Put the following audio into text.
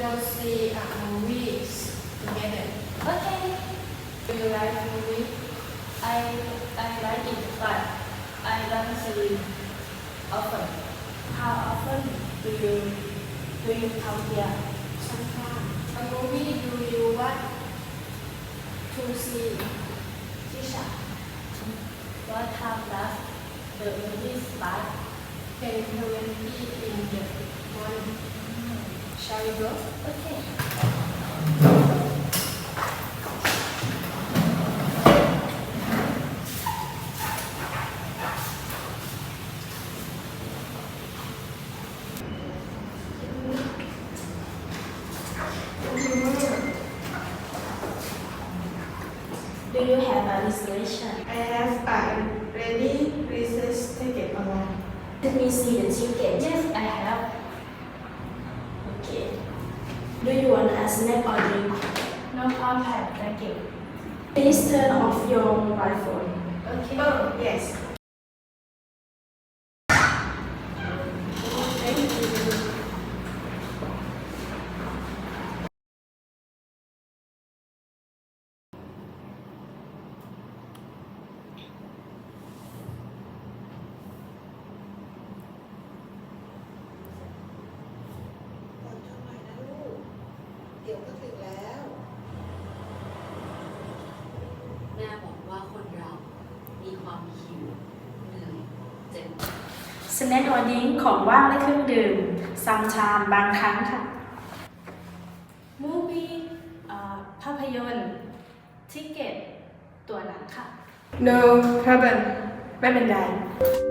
go see a movie together. Okay. Do you like movie? I like it, but I don't see often. How often do you come here? Sometimes. A movie do you want to see? Tisha, what time does the movie start? 10:20 in the morning. Shall we go? Okay. Do you have a reservation? I have already researched ticket online. Let me see the ticket. Yes, I have. Okay. Do you want a snack or drink? No contact, thank you. Please turn off your mobile phone. Okay. Oh, yes. Thank you. ก่อนทำไมนะลูก เดี๋ยวก็ถึงแล้วแม่บอกว่าคนเรา มีความหิว เหนื่อย เจ็บสแน็คออดิ้งของว่างและเครื่องดื่มซัมชามบางครั้งค่ะ มูฟี่ภาพยนตร์ทิเก็ต ตั๋วหนังค่ะ No problem. ไม่เป็นไร